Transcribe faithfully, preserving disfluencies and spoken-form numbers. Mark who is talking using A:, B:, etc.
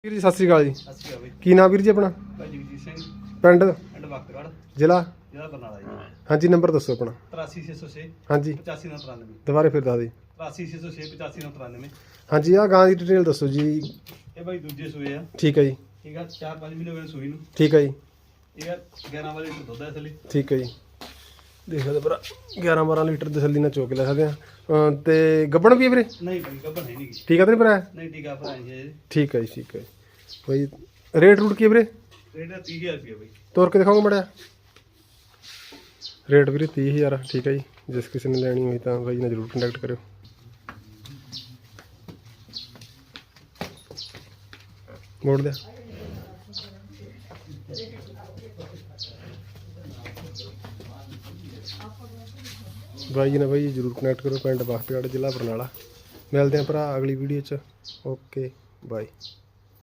A: ਵੀਰ ਜੀ ਸਤਿ ਸ੍ਰੀ ਅਕਾਲ ਜੀ।
B: ਸਤਿ ਸ਼੍ਰੀ ਅਕਾਲ ਬਾਈ।
A: ਕੀ ਨਾਮ ਵੀਰ ਜੀ ਆਪਣਾ?
B: ਭਾਈ ਜਗਜੀਤ ਸਿੰਘ,
A: ਪਿੰਡ
B: ਪਿੰਡ ਵਕਤਗੜ੍ਹ,
A: ਜ਼ਿਲ੍ਹਾ?
B: ਜ਼ਿਲ੍ਹਾ ਬਰਨਾਲਾ ਜੀ।
A: ਹਾਂਜੀ ਨੰਬਰ ਦੱਸੋ ਆਪਣਾ।
B: ਤਰਾਸੀ ਛੇ ਸੌ ਛੇ
A: ਹਾਂਜੀ
B: ਪਚਾਸੀ ਨੌ ਤਰਾਨਵੇਂ।
A: ਦੁਬਾਰੇ ਫਿਰ ਦੱਸ ਦਿਓ।
B: ਤਰਾਸੀ ਛੇ ਸੌ ਛੇ ਪਚਾਸੀ ਨੌ ਤਰਾਨਵੇਂ।
A: ਹਾਂਜੀ ਆਹ ਗਾਂ ਦੀ ਡਿਟੇਲ ਦੱਸੋ ਜੀ।
B: ਇਹ ਬਾਈ ਦੂਜੇ ਸੂਏ ਆ।
A: ਠੀਕ ਹੈ ਜੀ।
B: ਠੀਕ ਆ, ਚਾਰ ਪੰਜ ਮਹੀਨੇ ਹੋਏ ਨੇ ਸੂਈ ਨੂੰ।
A: ਠੀਕ ਹੈ ਜੀ।
B: ਇਹ ਆ ਗਿਆਰਾਂ ਵਾਲੇ ਲੀਟਰ ਦੁੱਧ ਹੈ ਇਸ ਲਈ।
A: ਠੀਕ ਹੈ ਜੀ। ਦੇਖ ਸਕਦੇ ਭਰਾ ਗਿਆਰਾਂ ਬਾਰਾਂ ਲੀਟਰ ਤਸੱਲੀ ਨਾਲ ਚੋਕ ਲੈ ਸਕਦੇ ਆ। ਅਹ ਤੇ ਗੱਬਣ ਵੀ ਹੈ ਵੀਰੇ?
B: ਨਹੀਂ ਬਾਈ ਗੱਭਣ ਹੈ ਨਹੀਂ ਗੀ।
A: ਠੀਕ ਹੈ ਤੇ ਭਰਾ?
B: ਨਹੀਂ ਟੀਕਾ ਭਰਾ ਜੀ।
A: ਠੀਕ ਹੈ ਜੀ। ਠੀਕ ਹੈ ਬਾਈ। ਰੇਟ ਰੂਟ ਕੀ ਹੈ ਵੀਰੇ?
B: ਰੇਟ ਹੈ ਤੀਹ ਹਜ਼ਾਰ ਰੁਪਏ ਬਾਈ।
A: ਤੋਰ ਕੇ ਦਿਖਾਓਗੇ ਮੜਿਆ। ਰੇਟ ਵੀਰੇ ਤੀਹ ਹਜ਼ਾਰ। ਠੀਕ ਹੈ ਜੀ। ਜਿਸ ਕਿਸੇ ਨੇ ਲੈਣੀ ਹੋਈ ਤਾਂ ਬਾਈ ਨਾਲ ਜ਼ਰੂਰ ਕੰਟੈਕਟ ਕਰਿਓ। ਮੋੜ ਦਿਆ। ਬਾਈ ਜੀ ਨਾਲ ਬਾਈ ਜ਼ਰੂਰ ਕਨੈਕਟ ਕਰੋ। ਪਿੰਡ ਵਕਤਗੜ੍ਹ, ਜ਼ਿਲ੍ਹਾ ਬਰਨਾਲਾ। ਮਿਲਦੇ ਹਾਂ ਭਰਾ ਅਗਲੀ ਵੀਡੀਓ 'ਚ। Okay bye.